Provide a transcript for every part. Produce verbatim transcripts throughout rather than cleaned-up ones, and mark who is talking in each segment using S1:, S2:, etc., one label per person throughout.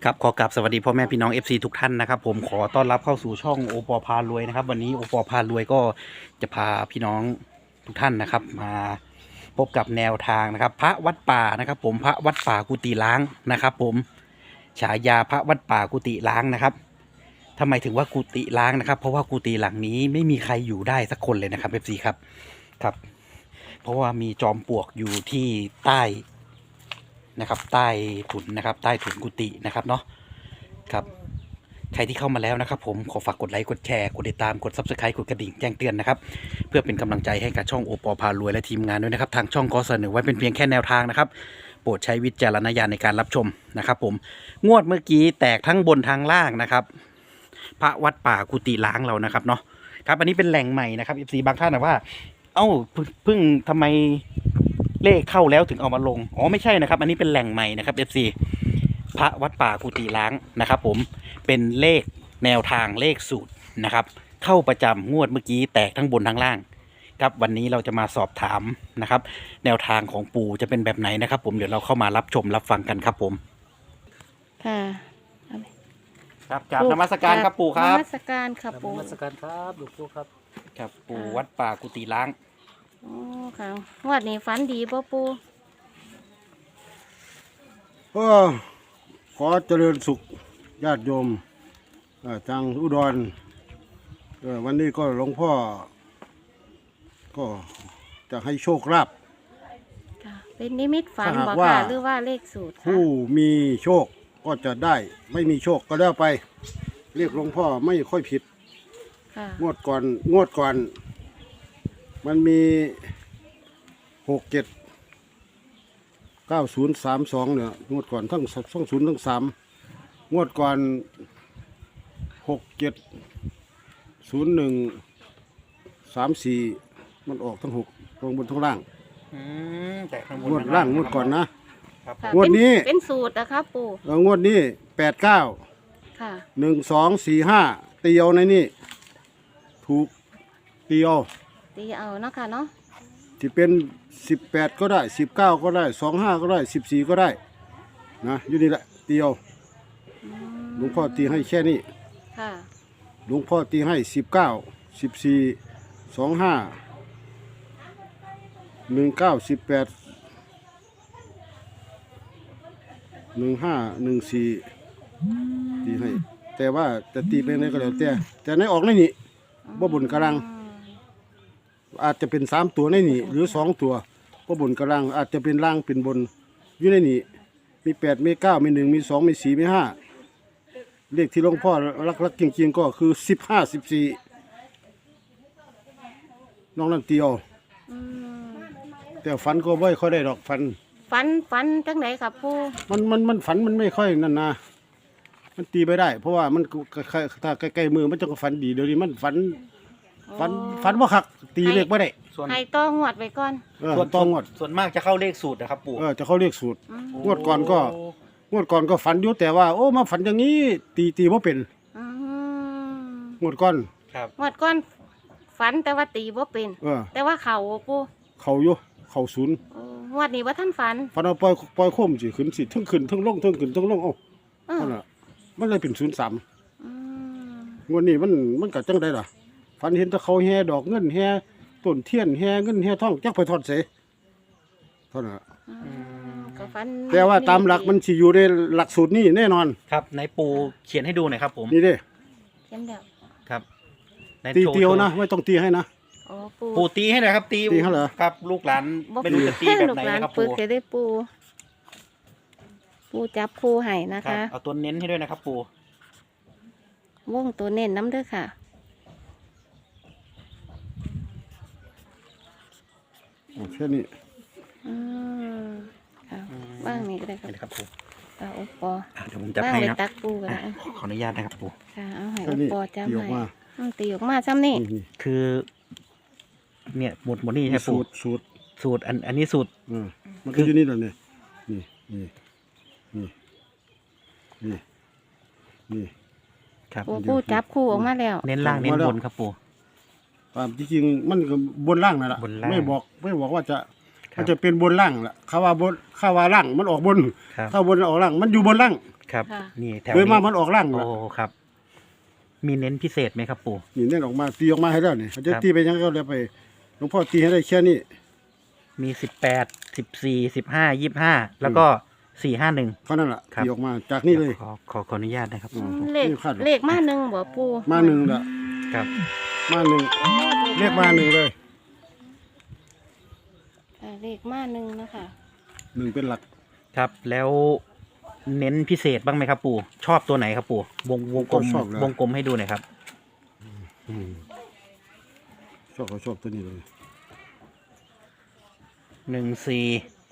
S1: ครับขอกราบสวัสดีพ่อแม่พี่น้อง เอฟ ซี ทุกท่านนะครับผมขอต้อนรับเข้าสู่ช่องโอปอพารวยนะครับวันนี้โอปอพารวยก็จะพาพี่น้องทุกท่านนะครับมาพบกับแนวทางนะครับพระวัดป่านะครับผมพระวัดป่ากุฏิล้างนะครับผมฉายาพระวัดป่ากุฏิล้างนะครับทำไมถึงว่ากุฏิล้างนะครับเพราะว่ากุฏิหลังนี้ไม่มีใครอยู่ได้สักคนเลยนะครับ เอฟ ซี ครับครับเพราะว่ามีจอมปลวกอยู่ที่ใต้นะครับใต้ถุนนะครับใต้ถุนกุฏินะครับเนาะครับใครที่เข้ามาแล้วนะครับผมขอฝากกดไลค์กดแชร์กดติดตามกด ซับสไครบ์ กดกระดิ่งแจ้งเตือนนะครับเพื่อเป็นกำลังใจให้กับช่องโอปอพารวยและทีมงานด้วยนะครับทางช่องก็เสนอไว้เป็นเพียงแค่แนวทางนะครับโปรดใช้วิจารณญาณในการรับชมนะครับผมงวดเมื่อกี้แตกทั้งบนทางล่างนะครับพระวัดป่ากุฏิล้างเรานะครับเนาะครับอันนี้เป็นแหล่งใหม่นะครับ เอฟ ซี บางท่านนะว่าเอ้าเพิ่งทำไมเลขเข้าแล้วถึงเอามาลงอ๋อไม่ใช่นะครับอันนี้เป็นแหล่งใหม่นะครับ เอฟ ซี พระวัดป่ากุฏิล้างนะครับผมเป็นเลขแนวทางเลขสูตรนะครับเข้าประจำงวดเมื่อกี้แตกทั้งบนทั้งล่างครับวันนี้เราจะมาสอบถามนะครับแนวทางของปู่จะเป็นแบบไหนนะครับผมเดี๋ยวเราเข้ามารับชมรับฟังกันครับผม
S2: ค่ะ
S1: ครับกราบนมัสการครับปู่ครับ
S2: นมัสการครับ
S3: น
S2: ปู่
S3: มัสการครับหลวงปู่ครับ
S1: ครับปู่วัดป่ากุฏิล้าง
S2: อ๋อค่ะงวดนี้ฝันดีป่ะปู่
S4: ก็ขอเจริญสุขญาติโยมเอ่อทางอุดรเอ่อวันนี้ก็หลวงพ่อ ก็จะให้โชคลาภ
S2: ค่ะเป็นนิมิตฝัน
S4: ถ้าหาก
S2: บ่
S4: ว่า
S2: ค่ะหรือว่าเลขสูตรค่ะ
S4: ผู้มีโชคก็จะได้ ไม่มีโชคก็แล้วไป เรียกหลวงพ่อไม่ค่อยผิด
S2: ค่ะ
S4: งวดก่อนงวดก่อน มันมีหกเจ็ดเก้าศูนย์สามสองเนี่ยงวดก่อนทั้งทั้งศูนย์ทั้งสามงวดก่อนหกเจ็ดศูนย์หนึ่งสามสี่มันออกทั้งหกตรงบนทั้งล่าง
S1: อืมแตกทั้งบน
S4: งวด
S1: ทั้
S4: ล่างงวดก่อนนะครับ
S2: ค่ะ
S4: งวดนี้
S2: เป็นเป็นสูตรนะครับปู่
S4: เอองวดนี้แปดเก้า
S2: ค่ะ
S4: หนึ่งสองสี่ห้าตีเอาในนี่ถูกตีเอา
S2: ตีเอาเนาะค่ะเนาะ
S4: ที่เป็นสิบแปดก็ได้สิบเก้าก็ได้สองห้าก็ได้สิบสี่ก็ได้นะอยู่นี่แหละตีเอา
S2: อืม
S4: หลวงพ่อตีให้แค่นี้
S2: ค่ะ
S4: หลวงพ่อตีให้สิบเก้าสิบสี่สองห้าหนึ่งเก้าสิบแปดหนึ่งห้าหนึ่งสี่ตีให้ แต่ว่าจะตีเป็นอะไรก็แล้วแต่แต่ในออกในนี่บ่บนกำลัง
S2: อืม
S4: อาจจะเป็นสามตัวในนี่หรือสองตัวบ่บนกำลังอาจจะเป็นล่างเป็นบนอยู่ในนี่มีแปดมีเก้ามีหนึ่งมีสองมีสี่มีห้าเลขที่หลวงพ่อรักๆจริงๆก็คือสิบห้าสิบสี่น้องนั่นเตียว
S2: อืม
S4: แต่ฝันก็ไม่ค่อยได้ดอกฝัน
S2: ฝันฝันจังไหนครับปู่
S4: มันมันมันฝันมันไม่ค่อยนั่นนะมันตีไปได้ เพราะว่ามันถ้าใกล้ๆมือมันจะฝันดีเดี๋ยวนี้มันฝันฝันฝันว่าคักตีเลขไม่ได้
S1: ส่วน
S2: ให้ต้องงวดไว้ก่อน
S4: เออ
S1: ส่วน
S4: ต้องงวด
S1: ส่วนมากจะเข้าเลขสูตรนะครับปู่
S4: เออจะเขาเรียกสูตร
S2: อืม
S4: งวดก่อนก็ งวดก่อนก็ฝันอยู่แต่ว่าโอ้มาฝันอย่างนี้ตีตีว่าเป็น
S2: อืม
S4: งวดก่อน
S1: ครับ
S2: งวดก่อนฝันแต่ว่าตีบ่เป็น
S4: เออ
S2: แต่ว่าเขาปู่
S4: เขาอยู่เขาศูนย์
S2: โอ้งวดนี้ว่าท่านฝัน
S4: ฝันเอาปล่อยปล่อยโคมสิขึ้นสิทั้งขึ้นทั้งลงทั้งขึ้นทั้งลงเอ้า
S2: เออ
S4: นั่นน่ะมันเลยเป็นศูนย์สาม
S2: อืม
S4: งวดนี้มันมันก็จังได้ล่ะฝันเห็นแต่เขาแห่ดอกเงินแห่ต้นเทียนแห่เงินแห่ทองจักไปทอดเสเท่านั้นล่ะ
S2: อืมก็ฝัน
S4: แต่ว่าตามหลักมันสิอยู่ในหลักสูตรนี้แน่นอน
S1: ครับในปู่เขียนให้ดูหน่อยครับผม
S4: นี่เด้
S2: เขียนเดียว
S1: ครับใน
S4: ตี
S1: โช
S4: เตียวนะ
S1: โช
S4: ไม่ต้องตีให้นะ
S2: โอ้ปู
S1: ปู่ตีให้หน่อยครับตี
S4: ตีให้เหรอ
S1: ครับลูกหลาน
S2: บ่
S1: ไม่รู้จะตีแบบไหน
S2: ลูกลา
S1: นะครับ
S2: ปึ
S1: ปู่
S2: กจะได้ปู ปูจับคู่ให้นะ
S1: ครั
S2: คะ
S1: บเอาตัวเน้นให้ด้วยนะครับปู่
S2: วงตัวเน้นน้ำเด้อค่ะ
S4: โอเคนี่
S2: อืมค่ะบ้างนี่ก็ได้ครับ
S1: นี่นะครับปู่
S2: เอาโอปอ
S1: อ่ะเดี๋ยวผมจับ
S2: บ้าง
S1: ให้
S2: ไป
S1: นะ
S2: ตักปูกัน
S1: อ่ะ
S2: นะ
S1: ขออนุญาตนะครับปู่
S2: ค่ะเอาให้
S4: แค่
S2: โอ
S4: นี้
S2: ปอจับ
S4: ตีอ
S2: ให้
S4: อกมา
S2: อืมตีออกมาซ้ำนี่
S4: นี่
S1: คือ เนี่ยหมดหมดนี่ใช่
S4: สู
S1: ปู่
S4: ตรสูตร
S1: สูตรอันอันนี้สูตร
S4: อืมมันก็อยู่นี่แหละนี่นี่นี่นี่นี่นี่
S1: ครับ
S2: ปูปูจับคู่ออกมาแล้ว
S1: เน้นล่างเน้นบนครับปู่
S4: ตามที่จริงมันก็บนล่างนั่นแหละ
S1: บนล่าง
S4: ไม่บอกไม่บอกว่าจะ
S1: ครับ
S4: มันจะเป็นบนล่างแหละข้าว่าบนข้าว่าล่างมันออกบน
S1: ครับ
S4: ข้าบนออกล่างมันอยู่บนล่าง
S1: คครับ
S2: ค่ะ
S1: นี่แถว
S4: โดยมาก
S1: นี้
S4: มันออกล่าง
S1: โอ้
S4: ละ
S1: ครับ มีเน้นพิเศษไหมครับปู่
S4: นี่เน้นออกมาตีออกมาให้แล้วนี่เขาจะ
S1: ครับ
S4: ตีไปยังก็เลยไปหลวงพ่อตีให้ได้แค่นี้
S1: มีสิบแปดสิบสี่สิบห้ายี่ห้าแล้วก็สี่ห้าหนึ่ง
S4: เท่านั้นแหละ
S1: ครับ
S4: ตีออกมาจากนี่เลย
S1: ขอขอขออนุญาตนะครับ
S4: อืม
S2: เลข
S4: นี่คาดหรอ
S2: เลขมาหนึ่งบ่ปู
S4: มาหนึ่งละ
S1: ครับ
S4: มาหนึ่งเรียกมาหนึ่งเลย
S2: อ่าเลขมาหนึ่งนะคะ
S4: หนึ่งเป็นหลัก
S1: ครับแล้วเน้นพิเศษบ้างไหมครับปู่ชอบตัวไหนครับปู่วงวงกลม
S4: ชอบเลยว
S1: งกลมให้ดูหน่อยครับ
S4: อืมชอบเขาชอบตัวนี้เลย
S1: หนึ่งสี่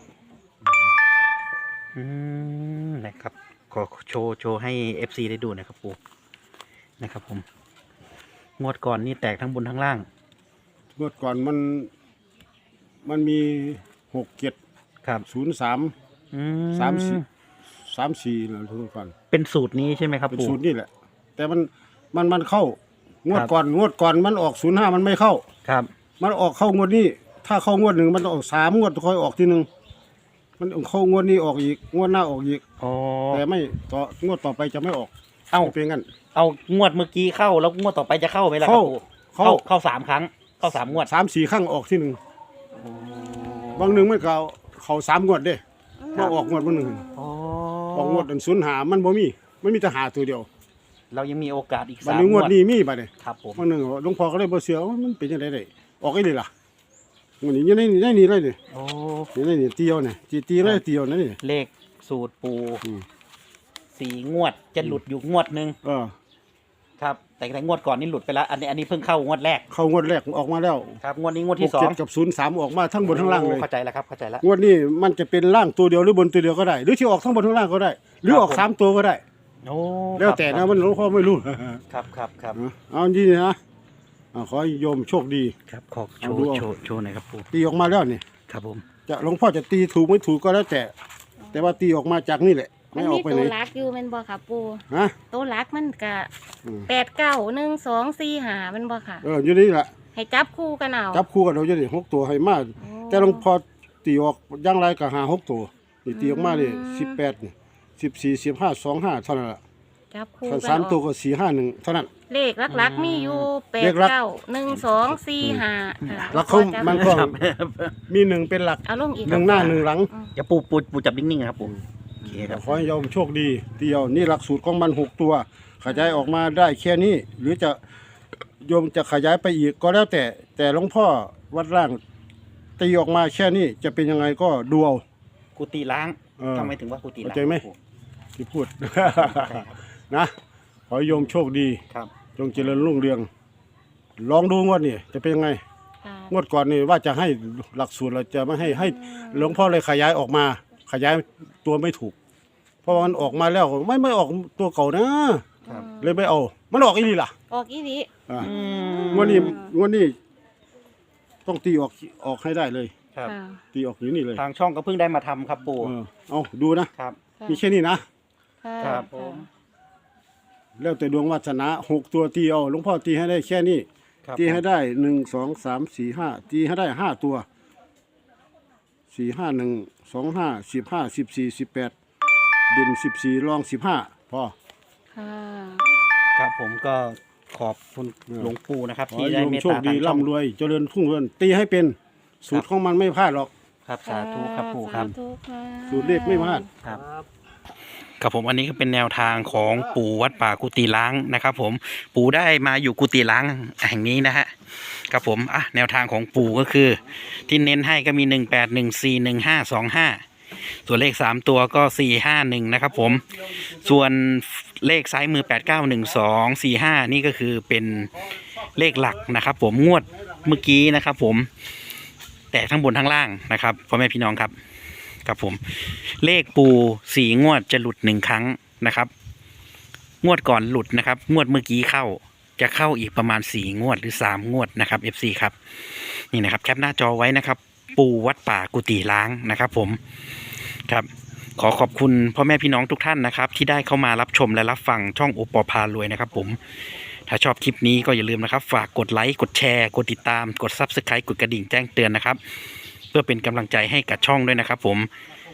S1: อืมนะครับ ขอโชว์โชว์ให้เอฟซีได้ดูหนะครับปู่นะครับผม งวดก่อนนี่แตกทั้งบนทั้งล่าง
S4: เมื่อก่อนมัน มันมีหกเจ็ด
S1: ครับ
S4: ศูนย์สาม
S1: อื
S4: สามสี่ สามสี่นะทุกคน
S1: เป็นสูตรนี้ใช่ไหมครับ
S4: เป็น
S1: ปู่
S4: ศูนย์นี่แหละ แต่มันมันมันเข้า งวด
S1: ครับ
S4: ก่อนงวดก่อนมันออกศูนย์ห้ามันไม่เข้า
S1: ครับ
S4: มันออกเข้างวดนี้ ถ้าเข้างวดหนึ่งมันต้องออกสามงวดค่อยออกทีหนึ่งมันเข้างวดนี้ออกอีกงวดหน้าออกอีก
S1: อ๋อ
S4: แต่ไม่ต่องวดต่อไปจะไม่ออก
S1: เอ้า
S4: เป็นงั้น
S1: เอางวดเมื่อกี้เข้าแล้วงวดต่อไปจะเข้าไหมล่ะครั
S4: เข้า
S1: บปู่
S4: เข้า
S1: เข้าเข้าสามครั้ง เข้าสามงวด
S4: สามสี่ครั้งออกที่หนึ่งบางหนึ่งมันเขาเขาสามงวดเด้มาออกงวดบางหนึ่ง
S1: อ๋อ
S4: ออกงวดอันศูนย์หามันบ่มีมันมีแต่หาตัวเดียว
S1: เรายังมีโอกาสอีก
S4: บัด
S1: สาม
S4: นี้ง
S1: ง
S4: ว
S1: ว
S4: ด
S1: ด
S4: นี้มีบัดนี้
S1: ครับผม
S4: บางหนึ่งหลวงพ่อก็เลยบ่เชื่อว่ามันเป็นจังไดได้ออกไอ้นี่ล่ะมันนี่อยู่ในนี่ในนี่เลยนี่
S1: โอ้
S4: อยู่ในนี่เตียวนี่ตีตีเลยเตียวนั่นนี่
S1: เลขสูตรปู
S4: อืม
S1: สี่งวดจะหลุดอยู่งวดหนึ่ง
S4: เออ
S1: ครับ แต่แต่งวดก่อนนี่หลุดไปแล้ว อันนี้อันนี้เพิ่งเข้างวดแรก
S4: เข้างวดแรกออกมาแล้ว
S1: ครับงวดนี้งวด
S4: ห
S1: ที่
S4: ก
S1: สอ
S4: เจ็
S1: ง
S4: ดกับศูนย์สามออกมาทั้งบนทั้งล่างเลย
S1: โอ้เข้าใจแล้วครับเข้าใจแล้ว
S4: งวดนี้มันจะเป็นล่างตัวเดียวหรือบนตัวเดียวก็ได้ หรือที่ออกทั้งบนทั้งล่างก็ได้ หรือออก
S1: ครับผม
S4: สามตัวก็ได้
S1: โอ้
S4: แล้วแต่
S1: ครั
S4: นะ
S1: บ
S4: มันหลวงพ่อไม่รู้
S1: ครับครับครับ
S4: เอาดีนะอ่าขอให้โยมโชคดี
S1: ครับขอโช
S4: เอาดู
S1: ว์
S4: เอา
S1: โชว์โชว์หน่อยครับปู
S4: ตีออกมาแล้วนี่
S1: ครับผม
S4: จะหลวงพ่อจะตีถูกไม่ถูกก็แล้วแต่ แต่ว่าตีออกมาจากนี่แหละ
S2: มั
S4: ไม่
S2: น
S4: ออ
S2: มี
S4: กไป
S2: ตั
S4: ไห
S2: วน รักอยู่แมันบ่ค่ะปู
S4: ฮะ
S2: ตัวรักมันกะ
S4: อืม
S2: แปดเก้าหนึ่งสองสี่หามันบ่ค่ะ
S4: เอออยู่นี่แหละ
S2: ให้จับคู่กันเอา
S4: จับคู่กันเราจะได้หกตัวให้มาก
S2: โอ้
S4: แต่หลวงพ่อตีออกย่างไรก็หาหกตัวนี่ตีออกมาเลย
S2: อืม
S4: สิบแปดนี่สิบสี่สิบห้าสองห้าเท่านั้นแหละ
S2: จับคู่
S4: ถ้า
S2: กัน
S4: สาม
S2: เอา
S4: ตัวก็สี่ห้าหนึ่งเท่านั้น
S2: เลขลักๆมีอยู่แป
S4: เล
S2: ด
S4: ขลัก
S2: เก้าหนึ่งสองสี่ห้าค่ะ
S4: แล้วเขา
S2: จับ
S4: มันก็ มีหนึ่งเป็นหลัก
S2: เอาลงอีก
S4: หนึ่งหน้าหนึ่งหลัง
S1: อย่าปูปูปูจับนิ่งๆนะครับปูโอเคครับ
S4: ขอให้โยมโชคดีเดียวนี่หลักสูตรของมันหกตัว ขยายออกมาได้แค่นี้ หรือจะโยมจะขยายไปอีกก็แล้วแต่ แต่หลวงพ่อวัดร่างตีออกมาแค่นี้จะเป็นยังไงก็ดูเอา
S1: กุฏิล้าง
S4: เออ
S1: ทำไมถึงว่ากุฏิล้าง
S4: เข้าใจไหม
S1: ครับ
S4: ที่พูด
S1: ใช่ครับ
S4: นะขอให้โยมโชคดี
S1: ครับ
S4: จงเจริญรุ่งเรือง ลองดูงวดนี่จะเป็นยังไง
S2: ค่ะ
S4: งวดก่อนนี่ว่าจะให้หลักสูตรเราจะไม่ให้ให้หลวงพ่อเลยขยายออกมา ขยายตัวไม่ถูก เพราะว่ามันออกมาแล้วไม่ไม่ออกตัวเก่านะ
S1: ครับ
S4: เลยไม่เอา มันออกอีหลีล่ะ
S2: ออกอีหลี
S4: อ่า
S1: อืม
S4: งวดนี้งวดนี้ต้องตีออกออกให้ได้เลย
S1: ครับ
S2: ค่ะ
S4: ตีออกอยู่นี่เลย
S1: ทางช่องก็เพิ่งได้มาทำครับปู
S4: เออเอาดูนะครับ
S2: ค่ะ
S4: มีแค่นี้นะ
S2: ค่ะ
S1: ครับผม
S4: แล้วแต่ดวงวาสนาหกตัวตีเอาหลวงพ่อตีให้ได้แค่นี้
S1: ครับ
S4: ตีให้ได้หนึ่งสองสามสี่ห้าตีให้ได้ห้าตัวสี่ห้าหนึ่งสองห้าสิบห้าสิบสี่สิบแปดเด่นสิบสี่รองสิบห้าพอ
S2: ค่ะ
S1: ครับผมก็ขอบคุณ
S4: เออ
S1: หลวงปู่นะครับ
S4: ขอ
S1: ที่
S4: ให้
S1: ได้
S4: โยม
S1: เมต
S4: โชค
S1: ตา
S4: ดี
S1: ทางช่อง
S4: ร่ำรวยเจริญทุ่งเรือนตีให้เป็นสูตรของมันไม่พลาดหรอก
S1: ครับสาธุครับปู่ครับ
S2: สาธุค่ะ
S4: สูตรเลขไม่พลาด
S1: ครับครับผมอันนี้ก็เป็นแนวทางของปู่วัดป่ากุฏิล้างนะครับผมปู่ได้มาอยู่กุฏิล้างแห่งนี้นะฮะครับผมอ่ะแนวทางของปู่ก็คือ ที่เน้นให้ก็มีหนึ่งแปดหนึ่งสี่หนึ่งห้าสองห้าส่วนเลขสามตัวก็สี่ห้าหนึ่งนะครับผมส่วนเลขซ้ายมือแปดเก้าหนึ่งสองสี่ห้านี่ก็คือเป็นเลขหลักนะครับผมงวดเมื่อกี้นะครับผมแตกทั้งบนทั้งล่างนะครับพ่อแม่พี่น้องครับ ครับผมเลขปูสี่งวดจะหลุดหนึ่งครั้งนะครับ งวดก่อนหลุดนะครับ งวดเมื่อกี้เข้าจะเข้าอีกประมาณสี่งวดหรือสามงวดนะครับ เอฟ ซี ครับนี่นะครับแคปหน้าจอไว้นะครับ ปูวัดป่ากุฏิล้างนะครับ ผมครับขอขอบคุณพ่อแม่พี่น้องทุกท่านนะครับ ที่ได้เข้ามารับชมและรับฟังช่องโอปอพารวยนะครับ ผมถ้าชอบคลิปนี้ก็อย่าลืมนะครับ ฝากกดไลค์กดแชร์กดติดตามกด ซับสไครบ์ กดกระดิ่งแจ้งเตือนนะครับ เพื่อเป็นกำลังใจให้กับช่องด้วยนะครับผม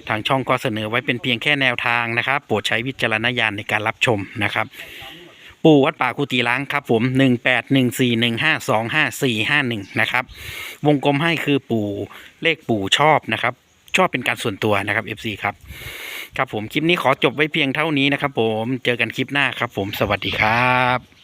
S1: ทางช่องก็เสนอไว้เป็นเพียงแค่แนวทางนะครับโปรดใช้วิจารณญาณในการรับชมนะครับปู่วัดป่ากุฏิล้างครับผมหนึ่งแปดหนึ่งสี่หนึ่งห้าสองห้าสี่ห้าหนึ่งนะครับวงกลมให้คือปู่เลขปู่ชอบนะครับชอบเป็นการส่วนตัวนะครับ เอฟ ซี ครับครับผมคลิปนี้ขอจบไว้เพียงเท่านี้นะครับผมเจอกันคลิปหน้าครับผมสวัสดีครับ